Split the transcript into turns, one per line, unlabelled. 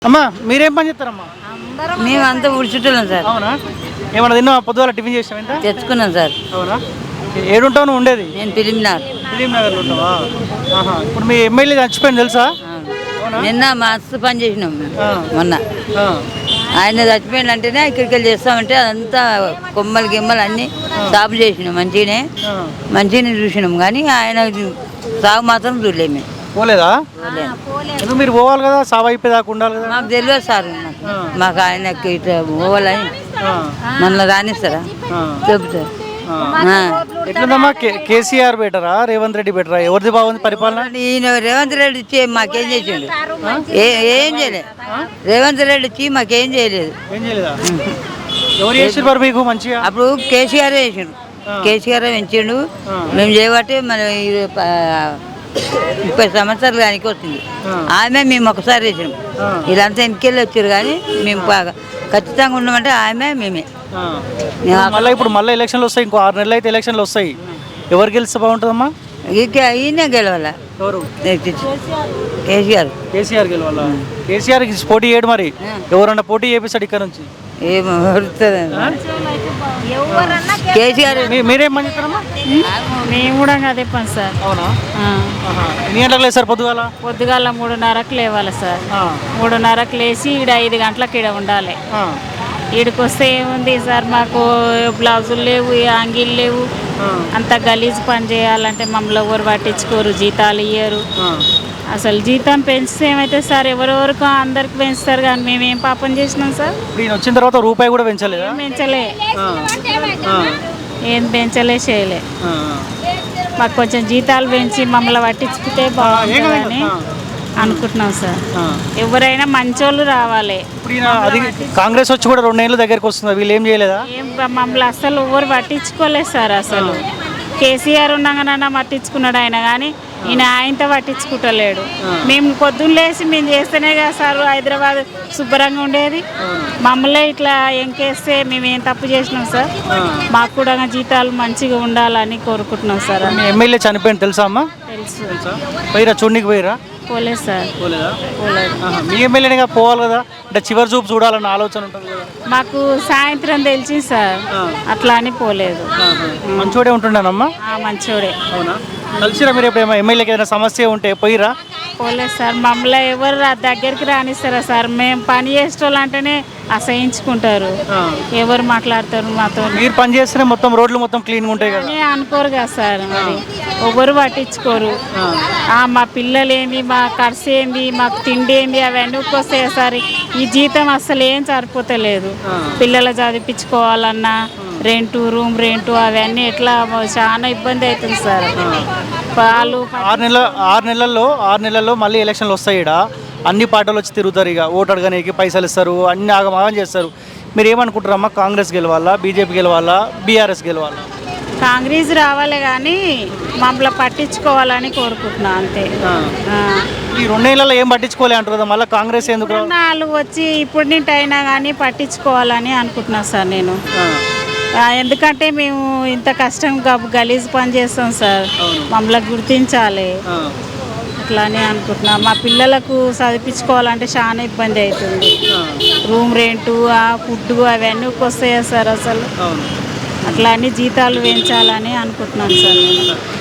అమ్మా మీరేం పని చేస్తారమ్మా?
మేమంతా ఉడుచుతున్నాం సార్.
అవునా? ఏమన్నా తిన్నా పొద్దుగాల టిఫిన్ చేసాం ఎంత
తెచ్చుకున్నాం సార్.
అవునా? ఏడుంటావు నువ్వు ఉండేది?
నేను ఫిలింనార్.
ఫిలిం నగర్లో ఉంటావా? ఇప్పుడు మీ ఎమ్మెల్యే చచ్చిపోయింది తెలుసా?
నిన్న మస్తు పని చేసినాం మొన్న.
ఆ,
ఆయన చచ్చిపోయింది అంటేనే ఇక్కడికి వెళ్ళి చేస్తామంటే అదంతా కొమ్మలు గిమ్మలు అన్నీ సాపు చేసినాం.
ఆ.
మంచిగానే చూసినాం కానీ ఆయన సాగు మాత్రం చూడలేము మేము.
పోలేదా? ఎందుకు మీరు పోవాలి కదా, సాగు అయిపోయేదాకా ఉండాలి కదా.
మాకు తెలియదు సార్. మాకు ఆయనకి ఇట్లా పోవాలని
ఆ,
మన రానిస్తారా
ఆ,
చెబుతారు.
ఆ. ఎట్లుందమ్మా? కేసీఆర్ బెటరా రేవంత్ రెడ్డి బెటరా? ఎవరిది బాగుంది పరిపాలన?
ఈయన రేవంత్ రెడ్డి ఇచ్చి మాకేం చేసిండు? ఏం చేయలేదు. రేవంత్ రెడ్డి ఇచ్చి మాకేం చేయలేదు.
ఏం చేయలేదా? ఎవరు చేసారు మరి మీకు మంచిగా?
అప్పుడు కేసీఆర్ వేసిండు. కేసీఆర్ పెంచిండు. మేము చేయబట్టి మన 30 సంవత్సరాలు కానీ వచ్చింది. ఆమె మేము ఒకసారి వేసినాం. వీళ్ళంతా ఎన్నికెళ్ళి వచ్చారు కానీ మేము ఖచ్చితంగా ఉన్నామంటే ఆమె మేమే.
మళ్ళీ ఎలక్షన్లు వస్తాయి, ఇంకో 6 నెలలు అయితే ఎలక్షన్లు వస్తాయి. ఎవరు గెలిస్తే బాగుంటుందమ్మా?
ఈయనే గెలవాల.
ఎవరు?
కేసీఆర్.
కేసీఆర్ గెలవాలా? కేసీఆర్ పోటీ చేయడు మరి, ఎవరన్నా పోటీ చేపిస్తాడు ఇక్కడ నుంచి?
ఏమో కేసీఆర్.
మీరేం పని చేస్తారమ్మా?
మేము కూడా అదే పని సార్.
అవునా? ఎన్ని గంటలకు లేస్తారు పొద్దుగాల?
పొద్దుగాల 3:30కు లేవాలి సార్. 3:30కు లేచి ఈడ 5 గంటలకు ఈడ ఉండాలి. ఈడికి వస్తే ఏముంది సార్, మాకు బ్లౌజులు లేవు, అంగీలు లేవు. అంత గలీజ్ పని చేయాలంటే మమ్మల్ని ఎవరు పట్టించుకోరు, జీతాలు ఇయ్యరు. అసలు జీతం పెంచితే ఏమైతే సార్, ఎవరెవరికో అందరికి పెంచుతారు కానీ మేమేం పాపం చేసినాం సార్?
నేను వచ్చిన తర్వాత రూపాయి కూడా పెంచలేదు.
పెంచలే, ఏం పెంచలే, చేయలే. మాకు కొంచెం జీతాలు పెంచి మమ్మల్ని పట్టించుకుంటే బాగుంటుందని అనుకుంటున్నాం సార్. ఎవరైనా మంచోళ్ళు రావాలి.
అది కాంగ్రెస్ వచ్చి కూడా 2 ఏళ్ళ దగ్గరికి వస్తుంది, వీళ్ళు ఏం చేయలేదా?
ఏం మమ్మల్ని అసలు ఎవరు పట్టించుకోలేదు సార్. అసలు కేసీఆర్ ఉండగానన్నా పట్టించుకున్నాడు ఆయన, కానీ ఈయన ఆయనతో పట్టించుకుంటలేడు. మేము పొద్దున్న లేచి మేము చేస్తేనే కదా సార్ హైదరాబాద్ శుభ్రంగా ఉండేది. మమ్మల్ని ఇట్లా ఎంకేస్తే మేము ఏం తప్పు చేసినాం సార్? మాకు కూడా జీతాలు మంచిగా ఉండాలని కోరుకుంటున్నాం సార్.
మీ ఎమ్మెల్యే చనిపోయింది తెలుసా అమ్మా?
తెలుసు.
పోయిరా చూడనికి పోయిరా?
పోలేదు సార్.
పోలేదా? మీ ఎమ్మెల్యేగా పోవాలి కదా, అంటే చివరి చూపు చూడాలన్న ఆలోచన ఉంటుంది కదా.
మాకు సాయంత్రం తెలిసింది సార్, అట్లా అని పోలేదు.
మంచోడే ఉంటుండేనమ్మా?
మంచోడే.
అవునా? కలిసిరా మీరు ఎప్పుడేమో ఎమ్మెల్యేకి ఏదైనా సమస్య ఉంటే పోయిరా?
పోలేదు సార్. మమ్మల్ని ఎవరు దగ్గరికి రానిస్తారా సార్? మేము పని చేసేటోళ్ళు అంటేనే అసహించుకుంటారు. ఎవరు మాట్లాడతారు మాతో?
మీరు పని చేస్తేనే మొత్తం రోడ్లు మొత్తం క్లీన్గా ఉంటాయి కదా.
అనుకోరు కదా సార్, మరి ఎవరు పట్టించుకోరు. మా పిల్లలు ఏంది, మా ఖర్చు ఏంది, మాకు తిండి ఏంది, అవన్నీ వస్తాయి సార్. ఈ జీతం అసలు ఏం సరిపోతలేదు. పిల్లలు చదివించుకోవాలన్నా రెంటు, రూమ్ రెంటు అవన్నీ ఎట్లా చాలా ఇబ్బంది అవుతుంది సార్. వాళ్ళు
6 నెలల్లో మళ్ళీ ఎలక్షన్లు వస్తాయి. ఇక్కడ అన్ని పార్టీలు వచ్చి తిరుగుతారు, ఇక ఓటు అడగడానికి పైసలు ఇస్తారు, అన్ని ఆగమాగం చేస్తారు. మీరు ఏమనుకుంటారమ్మా? కాంగ్రెస్ గెలవాలా, బీజేపీ గెలవాలా, బీఆర్ఎస్ గెలవాలా?
కాంగ్రెస్ రావాలి కానీ మమ్మల్ని పట్టించుకోవాలని కోరుకుంటున్నా అంతే.
ఈ 2 నెలల్లో ఏం పట్టించుకోలే అంటారు కదా, మళ్ళీ కాంగ్రెస్ ఎందుకు?
వాళ్ళు వచ్చి ఇప్పుడు నింటి అయినా కానీ పట్టించుకోవాలని అనుకుంటున్నా సార్ నేను. ఎందుకంటే మేము ఇంత కష్టం గలీజ్ పని చేస్తాం సార్, మమ్మల్ని గుర్తించాలి అట్లానే అనుకుంటున్నా. మా పిల్లలకు చదివించుకోవాలంటే చాలా ఇబ్బంది అవుతుంది. రూమ్ రెంటు, ఫుడ్ అవన్నీ వస్తాయా సార్? అసలు అట్లా అని జీతాలు పెంచాలని అనుకుంటున్నాను సార్ నేను.